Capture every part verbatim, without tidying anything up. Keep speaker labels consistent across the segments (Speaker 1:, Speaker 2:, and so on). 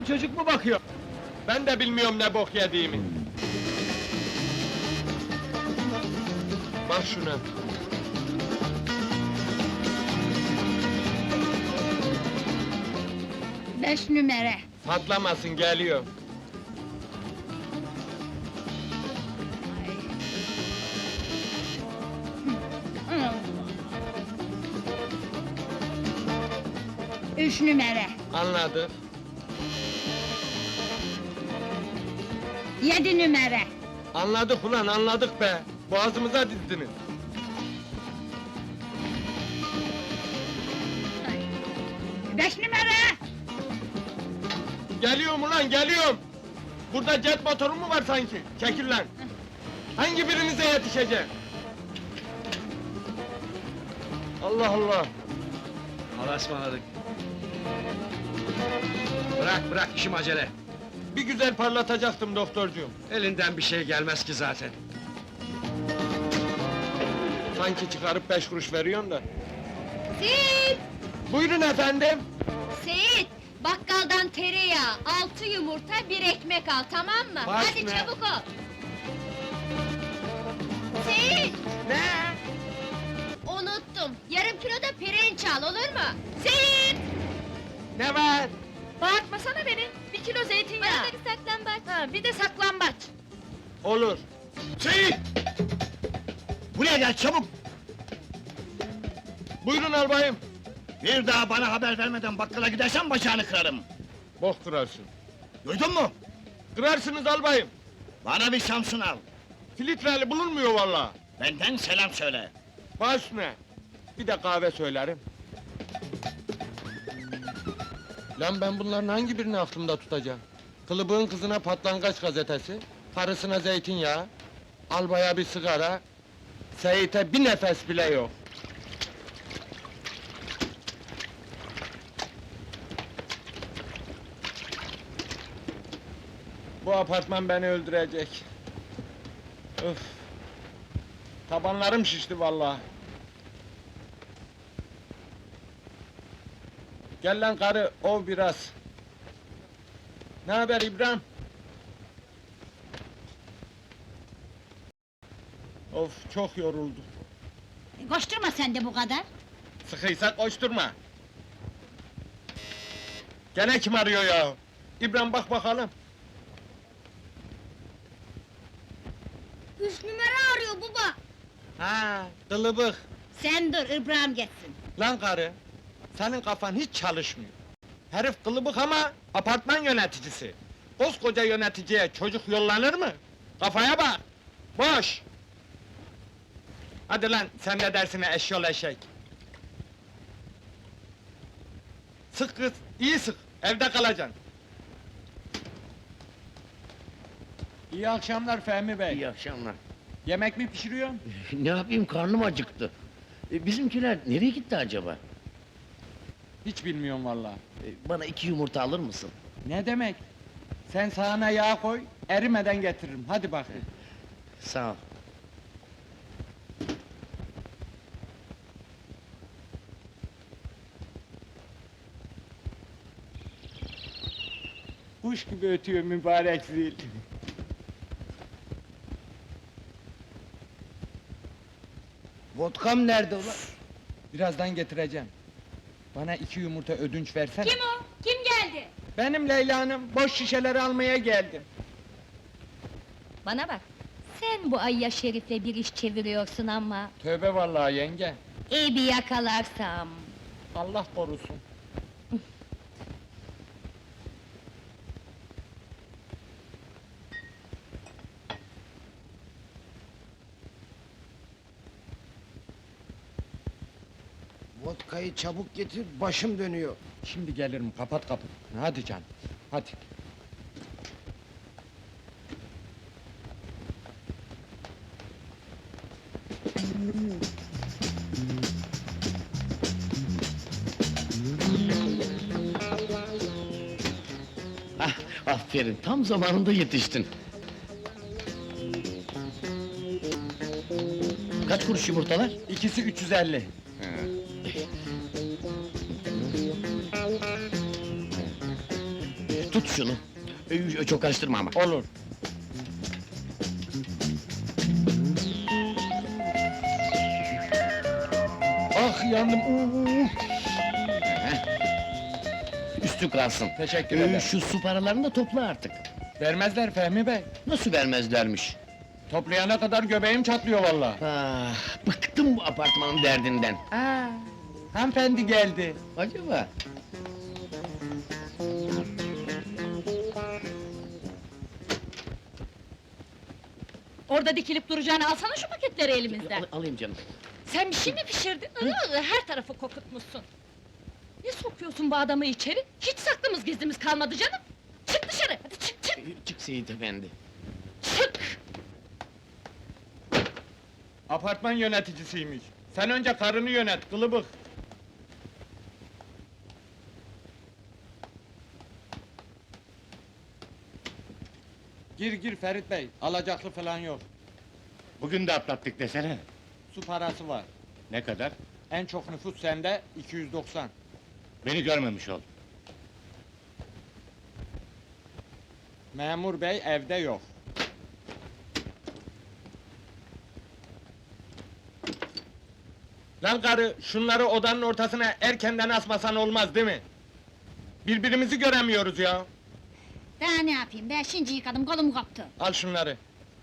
Speaker 1: Çocuk mu bakıyor? Ben de bilmiyorum ne bok yediğimi. Bak şuna.
Speaker 2: Beş numara.
Speaker 1: Patlamasın, geliyor.
Speaker 2: Üç numara.
Speaker 1: Anladık.
Speaker 2: Yedi numara.
Speaker 1: Anladık ulan, anladık be. Boğazımıza dizdiniz.
Speaker 2: Beş numara.
Speaker 1: Geliyorum ulan, geliyorum! Burada jet motoru mu var sanki? Çekil lan! Hangi birinize yetişeceğim? Allah Allah!
Speaker 3: Allah'a ısmarladık. Bırak, bırak, işim acele.
Speaker 1: Bir güzel parlatacaktım doktorcuğum.
Speaker 3: Elinden bir şey gelmez ki zaten.
Speaker 1: Sanki çıkarıp beş kuruş veriyorsun da.
Speaker 2: Seyit!
Speaker 1: Buyurun efendim!
Speaker 2: Seyit! Bakkaldan tereyağı, altı yumurta, bir ekmek al, tamam mı?
Speaker 1: Baş
Speaker 2: Hadi
Speaker 1: ne?
Speaker 2: çabuk ol! Seyit!
Speaker 1: Ne?
Speaker 2: Unuttum, yarım kilo da pirinç al, olur mu? Seyit!
Speaker 1: Ne var?
Speaker 2: Bağırtmasana beni, bir kilo zeytinyağı! Bana da bir saklambaç! Ha, bir de saklambaç!
Speaker 1: Olur.
Speaker 3: Seyit! Buraya gel, çabuk!
Speaker 1: Buyurun albayım.
Speaker 3: Bir daha bana haber vermeden bakkala gidersen bacağını kırarım.
Speaker 1: Bok kırarsın.
Speaker 3: Duydun mu?
Speaker 1: Kırarsınız albayım.
Speaker 3: Bana bir Samsun al.
Speaker 1: Filtreli bulunmuyor vallahi.
Speaker 3: Benden selam söyle.
Speaker 1: Baş ne? Bir de kahve söylerim. Lan ben bunların hangi birini aklımda tutacağım? Kılıbığın kızına patlangaç gazetesi, karısına zeytinyağı, albaya bir sigara, Seyit'e bir nefes bile yok. Bu apartman beni öldürecek. Öf! Tabanlarım şişti vallahi. Gel lan karı, ov biraz. Ne haber İbrahim? Of, çok yoruldum.
Speaker 2: Koşturma sen de bu kadar!
Speaker 1: Sıkıysa koşturma. Gene kim arıyor ya? İbrahim bak bakalım.
Speaker 2: Üç numara arıyor baba!
Speaker 1: Ha, kılıbık.
Speaker 2: Sen dur, İbrahim geçsin!
Speaker 1: Lan karı, senin kafan hiç çalışmıyor. Herif kılıbık ama apartman yöneticisi. Koskoca yöneticiye çocuk yollanır mı? Kafaya bak! Boş! Hadi lan, sen ne dersine eşyol eşek! Sık kız, iyi sık, evde kalacaksın. İyi akşamlar Fehmi Bey.
Speaker 4: İyi akşamlar.
Speaker 1: Yemek mi pişiriyorsun?
Speaker 4: Ne yapayım, karnım acıktı. E, bizimkiler nereye gitti acaba?
Speaker 1: Hiç bilmiyorum vallahi.
Speaker 4: E, bana iki yumurta alır mısın?
Speaker 1: Ne demek? Sen sağına yağ koy, erimeden getiririm. Hadi bakayım.
Speaker 4: Sağ ol.
Speaker 1: Kuş gibi ötüyor mübarek zil.
Speaker 4: Vodkam nerede ulan?
Speaker 1: Birazdan getireceğim. Bana iki yumurta ödünç versene.
Speaker 2: Kim o? Kim geldi?
Speaker 1: Benim Leyla Hanım, boş şişeleri almaya geldim.
Speaker 2: Bana bak! Sen bu Ayya Şerif'le bir iş çeviriyorsun ama...
Speaker 1: Tövbe vallahi yenge.
Speaker 2: İyi bir yakalarsam...
Speaker 1: Allah korusun.
Speaker 5: Vodkayı çabuk getir, başım dönüyor.
Speaker 1: Şimdi gelirim, kapat kapıyı. Hadi canım, hadi.
Speaker 4: Ah, aferin, tam zamanında yetiştin. Kaç kuruş yumurtalar?
Speaker 1: İkisi üç yüz elli.
Speaker 4: Tut şunu. Ee, Çok karıştırma ama.
Speaker 1: Olur. Ah yandım. Uuu.
Speaker 4: Üstü kalsın.
Speaker 1: Teşekkür
Speaker 4: Ee,
Speaker 1: ederim.
Speaker 4: Şu su paralarını da topla artık.
Speaker 1: Vermezler Fehmi Bey.
Speaker 4: Nasıl vermezlermiş?
Speaker 1: Toplayana kadar göbeğim çatlıyor vallahi.
Speaker 4: Ah, bıktım bu apartmanın derdinden.
Speaker 1: Aa, hanımefendi geldi.
Speaker 4: Acaba?
Speaker 2: Orada dikilip duracağını alsana şu paketleri elimizden.
Speaker 4: Al- alayım canım.
Speaker 2: Sen bir şey mi pişirdin? Iı, her tarafı kokutmuşsun. Ne sokuyorsun bu adamı içeri? Hiç saklımız gizlimiz kalmadı canım. Çık dışarı, hadi çık çık
Speaker 4: Ee, Çık Seyit efendi.
Speaker 2: çık!
Speaker 1: Apartman yöneticisiymiş. Sen önce karını yönet, kılıbık. Gir gir Ferit Bey, alacaklı falan yok.
Speaker 6: Bugün de atlattık desene.
Speaker 1: Su parası var.
Speaker 6: Ne kadar?
Speaker 1: En çok nüfus sende, iki yüz doksan.
Speaker 6: Beni görmemiş ol.
Speaker 1: Memur bey evde yok. Lan karı, şunları odanın ortasına erkenden asmasan olmaz değil mi? Birbirimizi göremiyoruz ya.
Speaker 7: Daha ne yapayım, ben şimdi yıkadım, kolum koptu.
Speaker 1: Al şunları.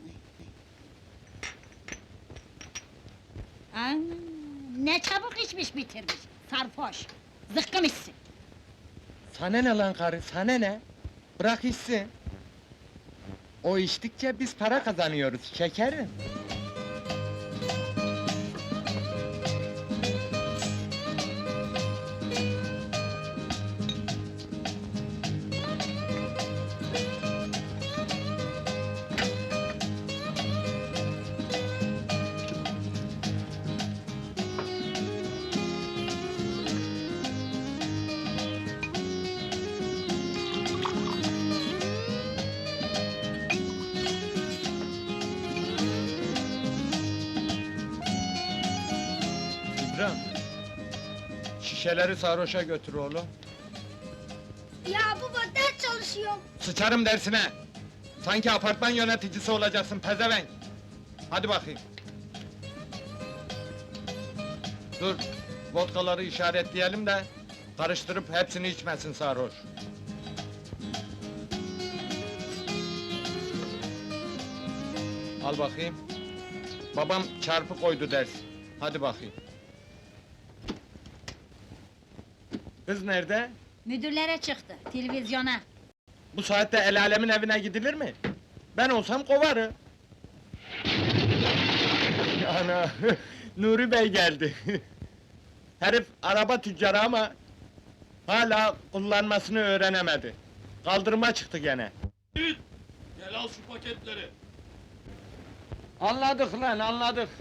Speaker 7: Aa, ne çabuk içmiş bitirmiş, sarhoş. Zıkkım içsin.
Speaker 1: Sana ne lan karı, sana ne? Bırak içsin. O içtikçe biz para kazanıyoruz, şekerim. İbrahim, şişeleri sarhoşa götür oğlum.
Speaker 7: Ya baba, ders çalışıyorum.
Speaker 1: Sıçarım dersine! Sanki apartman yöneticisi olacaksın pezevenk! Hadi bakayım! Dur, vodkaları işaretleyelim de... ...karıştırıp hepsini içmesin sarhoş! Al bakayım! Babam çarpı koydu ders! Hadi bakayım! Kız nerede?
Speaker 7: Müdürlere çıktı, televizyona.
Speaker 1: Bu saatte el alemin evine gidilir mi? Ben olsam kovarım. Ana, Nuri Bey geldi. Herif araba tüccarı ama... ...hala kullanmasını öğrenemedi. Kaldırıma çıktı gene.
Speaker 3: Gel al şu paketleri.
Speaker 1: Anladık lan, anladık.